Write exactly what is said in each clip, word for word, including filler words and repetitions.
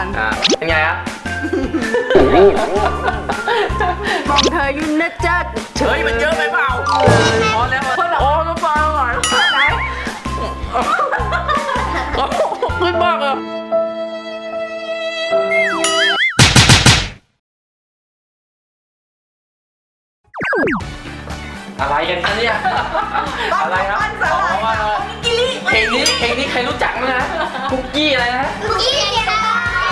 อ่าเป็นไงครับมองเธอยุ่นนะจ๊ะเฮ้ยมันเยอะไปเปล่าพอแล้วโอ้น้ำปลาอร่อยไหนขึ้นมากเลยอะไรกันคะเนี่ยอะไรครับอ๋อเพลงนี้เพลงนี้ใครรู้จักมั้ยนะคุกกี้อะไรนะคุกกี้เจ้า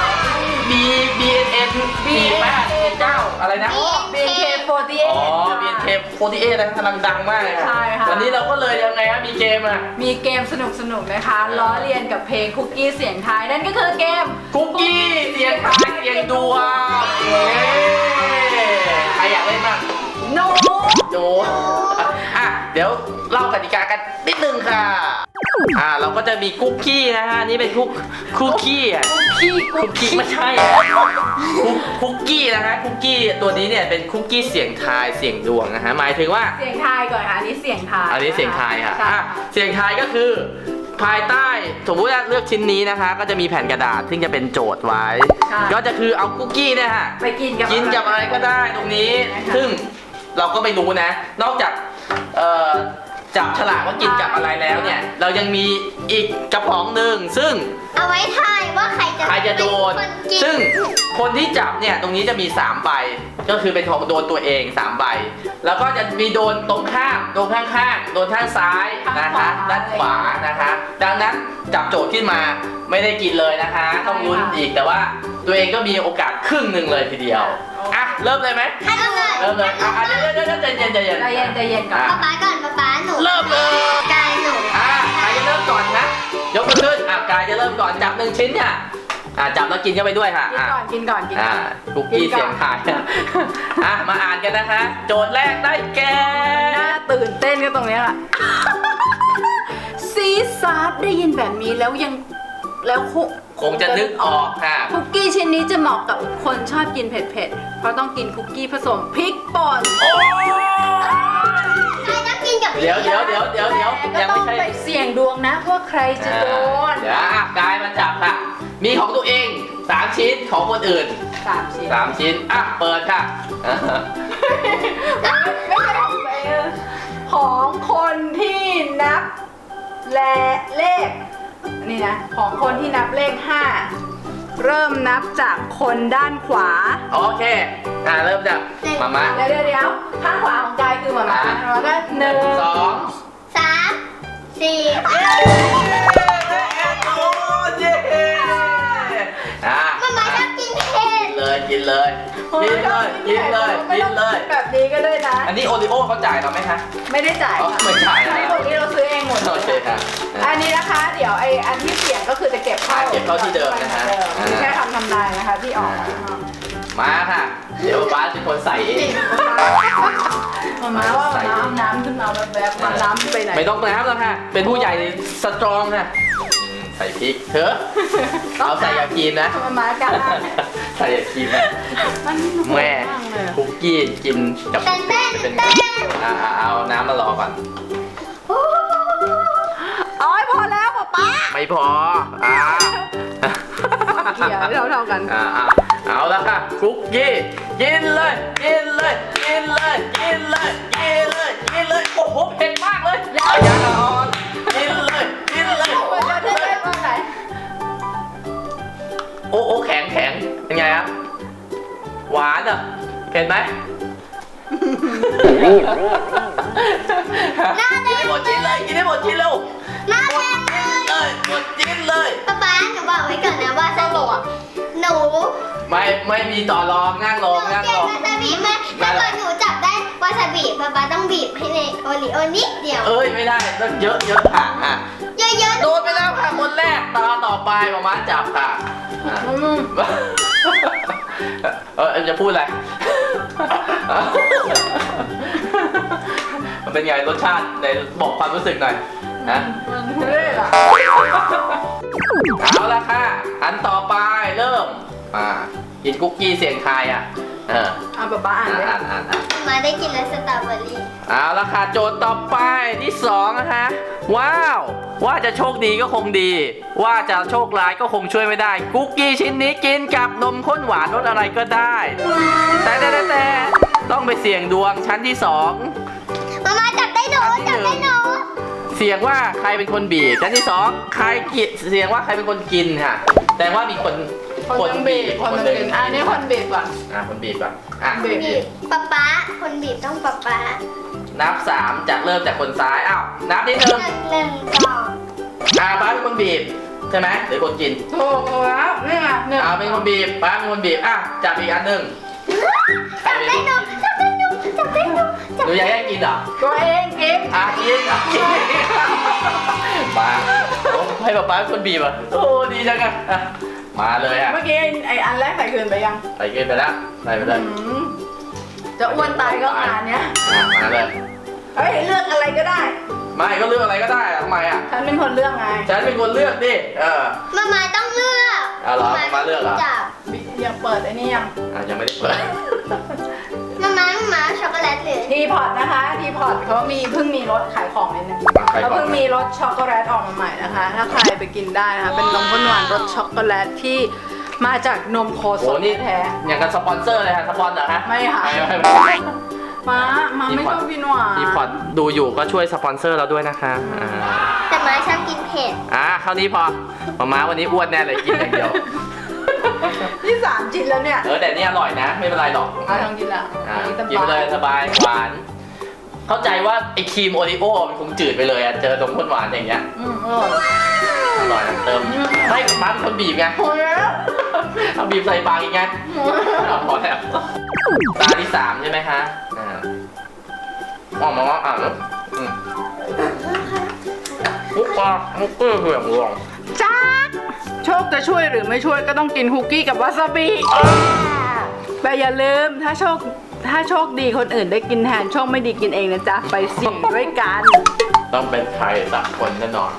B B N N สี่แปดเก้าอะไรนะบี เอ็น เค โฟร์ตี้เออ๋อท B N K โฟร์ตี้เอทนะกำลังดังมากเลยใช่ค่ะวันนี้เราก็เลยยังไงครับมีเกมอ่ะมีเกมสนุกๆนะคะล้อเลียนกับเพลงคุกกี้เสียงไทายนั่นก็คือเกมคุกกี้เสียงทายเสียงดวงเย้ใครอยากเล่นบ้างโนโดอ่ะเดี๋ยวเล่ากติกากันนิดนึงค่ะ อ่าเราก็จะมีคุกกี้นะฮะนี่เป็นคุกคุกกี้อ่ะพี่คุกกี้ไม่ใช่คุกคุกกี้นะฮะคุกกี้ตัวนี้เนี่ยเป็นคุกกี้เสียงทายเสียงดวงนะฮะหมายถึงว่าเสียงทายก่อนค่ะอันนี้เสียงทายอันนี้เสียงทายค่ะใช่อ่ะเสียงทายก็คือภายใต้สมมุติว่าเลือกชิ้นนี้นะคะ ก็จะมีแผ่นกระดาษซึ่งจะเป็นโจทย์ไว้ ก็จะคือเอาคุกกี้เนี่ยฮะไปกินกับกินกับอะไรก็ได้ตรงนี้ ซึ่งเราก็ไม่รู้นะ นอกจากเอ่อจับฉลากว่ากินกับอะไรแล้วเนี่ย เรายังมีอีกกระป๋องหนึ่งซึ่งเอาไว้ทายว่าใครจะใครจะโดนเป็นคนกินซึ่งคนที่จับเนี่ยตรงนี้จะมีสามใบ ก็คือเป็นของโดนตัวเองสามใบ แล้วก็จะมีโดนตรงข้ามโดนข้างๆโดนข้างซ้ายนะคะด้านขวานะคะ ดังนั้นจับโจทย์ขึ้นมาไม่ได้กินเลยนะคะ ต้องลุ้นอีกแต่ว่าตัวเองก็มีโอกาสครึ่งหนึ่งเลยทีเดียวอ่ะเริ่มเลยไหมให้เราเลยเริ่มเลยอ่ะอ่ะเดี๋ยวเดี๋ยวเดี๋ยวใจเย็นใจเย็นใจเย็นใจเย็นก่อนอ่ะป๊าป๊าก่อนป๊าป๊าหนูเริ่มเลยกายหนูอ่ะใครจะเริ่มก่อนนะยกมือขึ้นอ่ะกายจะเริ่มก่อนจับหนึ่งชิ้นเนี่ยอ่ะจับแล้วกินเข้าไปด้วยค่ะกินอ่ะก่อนกินก่อนกินอ่าก่อนคุกกี้เสียงทายอ่ะมาอ่านกันนะคะ โจทย์แรกได้แก่น่าตื่นเต้นก็ตรงเนี้ยแหละซีซาร์ได้ยินแบบนี้แล้วยังแล้วคงคงจะนึกออกค่ะคุกกี้ชิ้นนี้จะเหมาะกับคนชอบกินเผ็ดๆ เพราะต้องกินคุกกี้ผสมพริกป่นโอ้ใครต้องกินกับเดี๋ยวเดี๋ยวเดี๋ยวเดี๋ยวเดี๋ยวแต่ยังก็ต้ไม่องใช่ไปเสี่ยงดวงนะว่าใครจะโดนเดี๋ยวอ่ะกายมาจับค่ะ มีของตัวเองสามชิ้นของคนอื่นสามชิ้นสามชิ้นอ่ะเปิดค่ะอ่ะไม่ใช่ของตัวเองของคนที่นับและเลขนี่นะของคนที่นับเลขห้าเริ่มนับจากคนด้านขวาโอเคอ่ะเริ่มจากมาม่าเดี๋ยวเดี๋ยวเดี๋ยวข้างขวาของกายคือหมาม่าอ่ะแล้วก็หนึ่งสองสามสี่เย้โอ้เย้อ่ะป๊าป๊าชอบกินเผ็ดกินเลยกินเลยกินเลยกินเลยกินเลยแบบนี้ก็ได้นะอันนี้โอริโอเขาจ่ายเราไหมคะไม่ได้จ่ายอ๋อค่ะไม่จ่ายนะอันนี้พวกนี้เราซื้อเองหมดโอเคครับอันนี้นะคะเดี๋ยวไออันที่เสียงก็คือจะเก็บเข้าอ่ะเก็บเข้าที่เดิมนะฮะเดิมไม่ใช่คำทำนายนะคะที่ออกมาค่ะ เดี๋ยวป้าเป็นคนใส่เองมามาว่ามาน้ำน้ำขึ้นมาแบบๆมาน้ำไปไหนไม่ต้องน้ำแล้วค่ะ เป็นผู้ใหญ่สตรองค่ะอืมใส่พริกเถอะเอาใส่ยากีนนะมามากันใส่ยากีนนะมันโหดแม่ากเลยคุกกี้กินกับเต้นเต้นเป็นเต้นอ่าเอาน้ำมารอก่อนอ๋อยพอแล้วป๊าป๊าไม่พออ่าเกี่ยวเท่าเท่าๆกันอ่าอ่าเอาละค่ะคุกกี้กินเลยกินเลยกินเลยกินเลยกินเลยกินเลยโอ้โหเผ็ดมากเลยยังยังอ่อนกินเลยกินเลยมันจะได้ว่าไหนโอ้โอ้แข็งแข็งเป็นไงครับหวานอ่ะเห็นไหมหน้าแดกินงให้หมดชิ้นเลยกินให้หมดชิ้นเร็วหน้าแดงเลยหมดชิ้นเลยป๊าป๊าหนูบอกไว้ก่อนนะว่าสนุกอ่ะหนูไม่ไม่มีต่อรองนั่งลหงนูนั่งเก่ลงงวาซาบิมากถ้าเกิดหนูจับได้วาซาบิป๊าป๊าต้องบีบให้ในโอริโอนิดเดียวเอ้ยไม่ได้ต้องเยอะเยอะค่ะอ่ะเยอะโดนไปแล้วค่ะคนแรกตาต่อไปมามาจับค่ะอ่ะอืมเออจะพูดอะไร มันเป็นไงรสชาติไหนบอกความรู้สึกหน่อยนะมันทุเรศอ่ะเอาละค่ะ อันต่อไปเริ่มอ่ากินคุกกี้เสียงทายอ่ะอออเอาป๊าป๊าอ่านอ่านเลยอ่านอ่านอ่านมาได้กินแล้วสตรอเบอรี่เอาละค่ะโจทย์ต่อไปที่สองนะคะว้าวว่าจะโชคดีก็คงดี ว่าจะโชคร้ายก็คงช่วยไม่ได้คุกกี้ชิ้นนี้กินกับนมข้นหวานรสอะไรก็ได้ แต่แต่แต่แต่ต้องไปเสี่ยงดวงชั้นที่สองมามาจับได้หนูอันที่จับหนึ่ได้งหนูเสี่ยงว่าใครเป็นคนบีบชั้นที่สองใครกิเสี่ยงว่าใครเป็นคนกินค่ะ แต่ว่ามีคนคนหนึงบีบคนหนึงกินอ่ะนี่คนบีบก่อนอ่ะคนบีบก่อนอ่ะบีบบีบป๊าป๊าคนบีบต้องป๊าป๊านับสามจากเริ่มจากคนซ้ายอ้าวนับนิดนึงหนึ่งหนึ่งสองอ่าป้าเป็นคนบีบใช่ไหมหรือคนกินถูกแล้วนี่ไงหนึ่งอ่าเป็นคนบีบป้าเป็นคนบีบอ่ะจับอีกอันหนึ่งจับได้หนูจับได้หนูจับได้หนูจับหนูอยากให้กินเหรอตัวเองกินอ่ะกินอ่ะกินมาโอ้ให้ป้าป้าเป็นคนบีบอ่ะโอ้ดีจังอ่ะอ่ะมาเลยอ่ะเมื่อกี้ไอ้อันแรกใส่คืนไปยังใส่กินไปแล้วใส่ไปเลยอืมจะอ้วนตายก็งานเนี้ยอ่ะมาเลยเฮ้ยเลือกอะไรก็ได้ไม่ก็เลือกอะไรก็ได้อะทำไมอ่ะฉันเป็นคนเลือกไงฉันเป็นคนเลือกดิเออมามาต้องเลือกเอาเหรอมาเลือกเหรอจับบิ๊กยังเปิดไอ้นี่ยังอ่ะยังไม่ได้เปิดมามามามาช็อกโกแลตหรือทีพอตนะคะทีพอตเขามีเพิ่งมีรสขายของเลยนะมาใครเขาก่อนเพิ่งมีรสช็อกโกแลตออกมาใหม่นะคะ ถ้าใครไปกินได้นะคะเป็นนมข้นหวานรสช็อกโกแลตที่มาจากนมโคสโอ้ดนี่แท้อย่างกับสปอนเซอร์เลยฮะสปอนเหรอฮะไม่ค่ะไม่ไม่ไม่มามาไม่ชอบกินหวานทีพอดดูอยู่ก็ช่วยสปอนเซอร์เราด้วยนะคะอ่าแต่มาชอบกินเผ็ดอ่ะคราวนี้พอมาม้าวันนี้อ้วนแน่เลยกินอย่างเดียวนี่สามชิ้นแล้วเนี่ยเออแต่นี่อร่อยนะ ไม่เป็นไรหรอกเอาลองกินละอ่ะอันนี้กินไปเลยสบายหวาน เข้าใจว่าไอครีมโอริโอมันคงจืดไปเลยอ่ะเจอนมข้นหวานอย่างเงี้ยอืมอร่อยอร่อยนะเติมไม่ม้าเป็นคนบีบไงโอ้ยแล้วเอาบีบใส่ปากอีกไงเอาพอแล้วตาที่สามใช่ไหมคะอ่าอ๋อมาว่าอ่านแล้วอืมปุ๊บปะมุกเกอร์เหื่องรวงจ้าโชคจะช่วยหรือไม่ช่วยก็ต้องกินคุกกี้กับวาซาบิแต่อย่าลืมถ้าโชคถ้าโชคดีคนอื่นได้กินแทนโชคไม่ดีกินเองนะจ๊ะไปสี่ด้วยกันต้องเป็นใครสักคนแน่นอน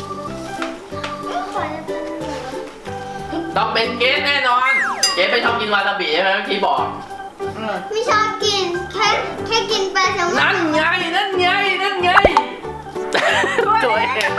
ต้องเป็นเกสแน่นอน เกสไม่ชอบกินวาซาบิใช่ไหมเมื่อกี้บอกไม่ชอบกินแค่แค่กินปลาแซลมอนนั่นไง นั่นไง นั่นไงตัวเอง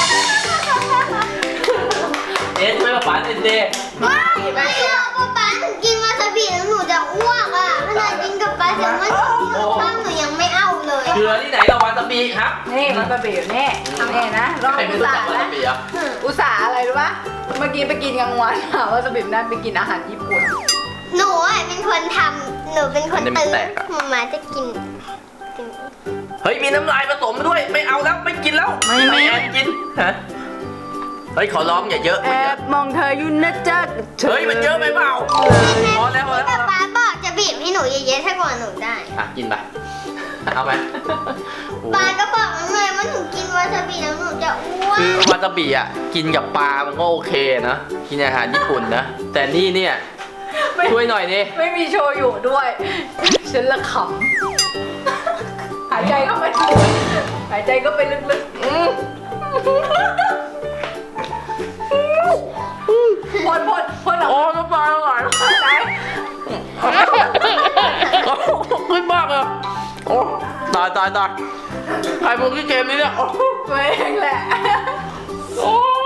เอ๊ะช่วยกับป๋าหน่อยสิว้าวไม่เอาป๊าป๊าหนูกินวาซาบิแล้วหนูจะอ้วกอ่ะขนาดกินกับปลาแซลมอนข้าวหนูยังไม่เอาเลยเกลือที่ไหนเราวาซาบิครับนี่วาซาบิอยู่นี่นี่นะลองใครไม่อุตรู้ส่าจักห์วานะซาบิอ่ะอุตส่าห์อะไรรู้ปะเมื่อกี้ไปกินกลางวันอะวาซาบินั่นไปกินอาหารญี่ปุ่นหนูอ่ะเป็นคนทำหนูเป็นคนตื่นมามาจะกินกินเฮ้ยมีน้ำลายผสมด้วย ไม่เอาแล้วไม่กินแล้วไม่ไม่แอบกินฮะเฮ้ยขอร้องอย่าเยอะแอบมองเธออยู่นะจ๊ะเฮ้ยมันเยอะไปเปล่าพอแล้วพอแล้วป๊าป๊าบอกจะบีบให้หนูเยอะๆถ้ากว่าหนูได้อ่ะกินไปเอาไหมโอ้ป๊าก็บอกแล้วไงว่าหนูกินวาซาบิแล้วหนูจะอ้วคือก วาซาบิอ่ะกินกับปลามันก็โอเคนะกินอาหารญี่ปุ่นนะแต่นี่เนี่ยไม่ช่วยหน่อยดิไม่มีโชยุด้วย ฉันละขำหายใจเข้าไปหายใจก็ไปลึกอืมๆพ่นพ่นพ่นออกโอ้น้ำลายไหลมาไหนขึ้นมากเลยโอ้ตายตายตายใครพวกที่เกมนี้เนี่ยโอ้ตัวเองแหละโอ้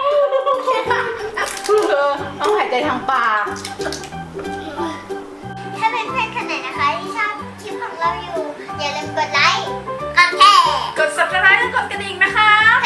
เธอต้องหายใจทางปากถ้าเป็นเพื่อนๆคนไหนนะคะที่ชอบคลิปของเราอยู่ อย่าลืมกดไลค์ กดแชร์กด subscribe และกดกระดิ่งนะคะ